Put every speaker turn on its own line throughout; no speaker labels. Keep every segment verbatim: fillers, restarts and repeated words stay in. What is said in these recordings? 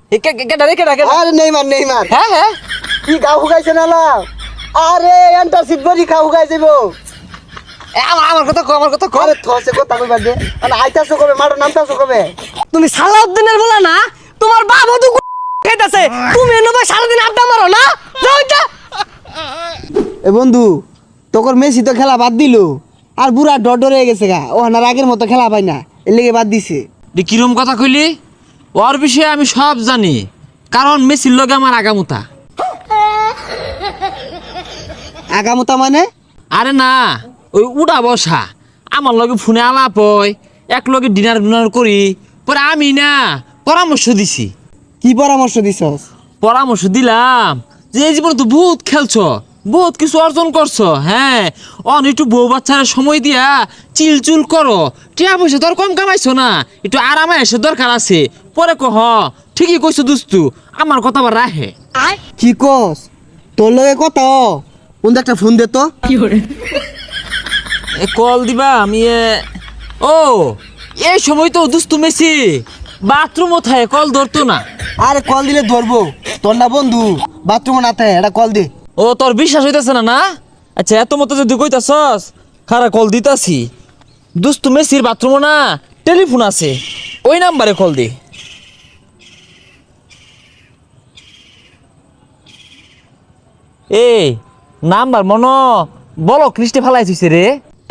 কে কে কেডা রে কেডা কেডা
আরে নেইমার নেইমার
হ্যাঁ হ্যাঁ
কি গাও হুগাইছে না লাও আরে এন্টারশিপ বডি খাও হুগাই যাবো
এ, আমার আমার কথা কো আমার কথা কো
আরে থসে কথা কইবা দে মানে আইতাছো কবে মারো নামতাছো কবে
তুমি সালাউদ্দিনের বলা না তোমার বাবা তো খাইতাছে তুমি এনে ভাই সারাদিন আড্ডা মারো না যাও এটা
এ বন্ধু তোর মেসি তো খেলা বাদ দিল আর বুড়া ডর ডর হয়ে গেছে গা ও হানার আগের মতো খেলা পাই না এর লেগে বাদ দিছে
দি কিরম কথা কইলি ওর বিষয়ে আমি সব জানি কারণ মেসির লগে আমার আগামুতা
আগামতা মানে
আরে না ওই উড়া বসা আমার লগে ফোনে আলাপ হয় এক লগে ডিনার ডিনার করি পরে আমি না পরামর্শ দিছি
কি পরামর্শ দিছস
পরামর্শ দিলাম যে এই জীবনে তো বহুত খেলছো বহুত কিছু অর্জন করছো হ্যাঁ অন একটু বউ বাচ্চারা সময় দিয়া চিলচুল করো টিয়া পয়সা তোর কম কামাইছো না একটু আরামে এসে দরকার আছে পরে কহ ঠিকই কইছো দুস্তু আমার কথা আবার রাহে
কি কস তোর লগে কথা কোন একটা ফোন দে তো
এ কল দিবা আমি এ ও এই সময় তো দুস্তু মেসি বাথরুম ওথায় কল ধরতো না
আরে কল দিলে ধরবো তোর না বন্ধু বাথরুমে না থাকে এটা কল দে
ও তোর বিশ্বাস হইতাছে না না আচ্ছা এত মতো যদি কইতাছস খারা কল দিতাছি দুস্তু মেসির বাথরুম না টেলিফোন আছে ওই নাম্বারে কল দি এই নাম্বার মনো বলো কৃষ্টি ফেলাই থইছে রে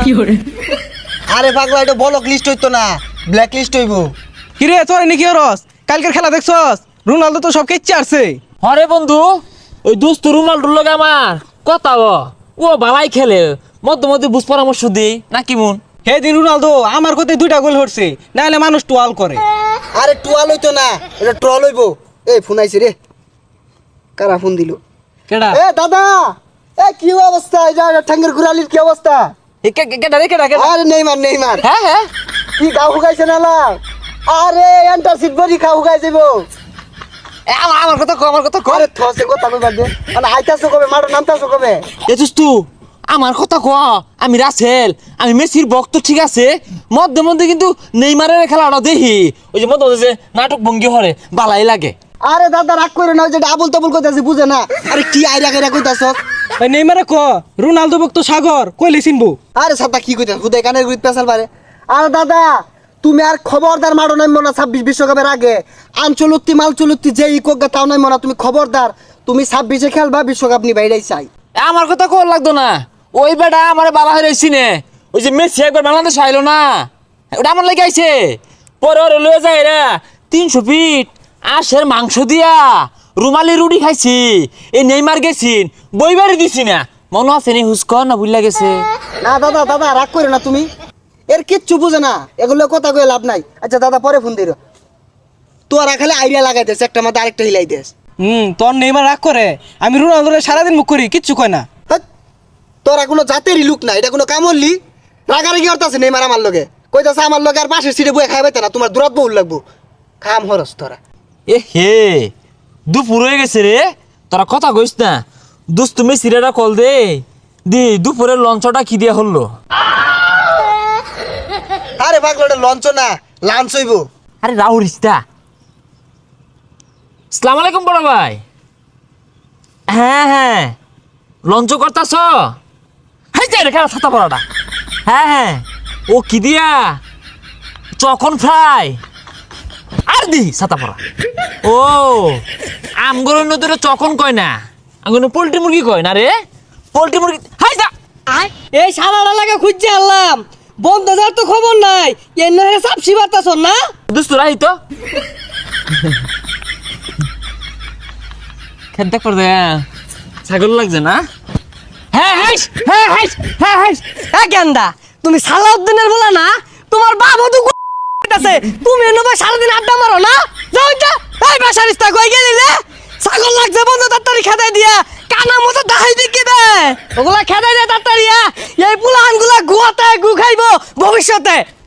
আরে পাগলা এটা বলক লিস্ট হইতো না ব্ল্যাক লিস্ট হইবো
কিরে তোর নাকি রস কালকের খেলা দেখছস রোনালদো তো সব কেচ্ছে আসছে
হরে বন্ধু ওই দুস্তু রুমালটুর লগে আমার কথা ও ও ভালাই খেলে মধ্যে মধ্যে বুঝ পরামর্শ দিই না কি মন
হে দিন রোনালদো আমার কথায় দুইটা গোল হচ্ছে নাহলে মানুষ টুয়াল করে
আরে টুয়াল হইতো না এটা ট্রল হইবো এই ফোন আইছে রে কারা ফোন দিল
কেডা
এ দাদা এ কি অবস্থা এই যা ঠাঙ্গের গুরালির কি অবস্থা
এ কে কে- কেডা রে কেডা কেডা
আরে নেইমার নেইমার
হ্যাঁ হ্যাঁ
কি গাও হুগাইছে না লাও আরে এন্টারশিপ বডি খাও হুগাই যাবো
এ, আমার আমার কথা কো আমার কথা কো
আরে থসে কথা কইবা দে মানে আইতাছো কবে মারো নামতাছো কবে
এ দুস্তু আমার কথা ক আমি রাসেল আমি মেসির ভক্ত ঠিক আছে মধ্যে মধ্যে কিন্তু নেইমারের খেলাটা দেখি ওই যে মধ্যে মধ্যে যে নাটক ভঙ্গি হরে বালাই লাগে
আরে দাদা রাগ করে না ওই যে আবুল তাবুল কইতাছে বুঝে না আরে কি আইরা গাইরা কইতাছস
ভাই নেইমারে ক রোনালদো ভক্ত সাগর কইলে চিনবো
আরে সাতা কি কইতাছ হুদাই কানের গুইত পেছাল পারে আরে দাদা তুমি আর খবরদার মারো নাই মনা ছাব্বিশ বিশ্বকাপের আগে আঞ্চলুত্তি মালচলুত্তি যে ইকোগা তাও নাই মনা তুমি খবরদার তুমি ছাব্বিশে খেলবা বিশ্বকাপ নিবা এটাই চাই
এ, আমার কথা কর লাগতো না ওই বেটা আমার বালা হয়ে রয়েছি নে ওই যে মেসি একবার বাংলাদেশ আইলো না ওটা আমার লেগে আইছে পরে ওরে লয়ে যায় রে তিনশো ফিট আশের মাংস দিয়া রুমালি রুটি খাইছি এই নেইমার গেছিন বই বাড়ি দিছি না মনে আছে নি হুস্ক না ভুললা গেছে
না দাদা দাদা রাগ করে না তুমি এর কিচ্ছু বুঝে না এগুলো কথা কয়ে লাভ নাই আচ্ছা দাদা পরে ফোন দিও তোরা খালি আইডিয়া লাগাই দেস একটা মাথা আরেকটা হিলাই দেস
হুম তোর নেইমার রাগ করে আমি রোনালদোরে সারাদিন মুখ করি কিচ্ছু কয় না
হাট, তোরা কোনো জাতেরই লুক না এটা কোনো কামড়লি রাগারাগি অর্থাছে নেই আমার লগে কইতাছে আমার লগে আর পাশের সিটে বয়ে খাইবে না তোমার দূরত বহুল লাগবো খাম হরস তোরা
এ হে দুপুর হয়ে গেছে রে তোরা কথা কইস না দোস্ত মেসিরা কল দে দি দুপুরের লঞ্চটা কি দিয়া হলো
আরে পাগল ওটা লঞ্চ না লাঞ্চ হইব
আরে রাহুল রিস্তা সালাম আলাইকুম বড় ভাই হ্যাঁ হ্যাঁ লঞ্চ করতাছ হাই যাই রে খেলা ছাতা পড়াটা হ্যাঁ হ্যাঁ ও কি দিয়া চকন ফ্রাই আর দি ছাতা পড়া ও আমগর নদীরে চকন কয় না আমগর পোল্ট্রি মুরগি কয় না রে পোল্ট্রি মুরগি হাই যা
এই সারাটা লাগে খুঁজছে আনলাম বন্ধ যার তো খবর নাই এর নহে সাপসি বাতাস না
দুস্তু রাহি তো খেতে কর দে ছাগল লাগছে না হ্যাঁ হ্যাঁ হ্যাঁ হ্যাঁ হ্যাঁ হ্যাঁ
এ গেন্দা তুমি সালাউদ্দিনের বলা না তোমার বাবা তো আছে তুমি এনে ভাই সারাদিন আড্ডা মারো না যাও এটা এই বাসারিস্তা কই গেলি রে ছাগল লাগছে বন্ধ তাড়াতাড়ি খেদাই দিয়া কানা মতো দাহাই দিকে দে ওগুলা খেদাই দে তাড়াতাড়ি এই পুলাহানগুলা গুয়াতে গু খাইবো ভবিষ্যতে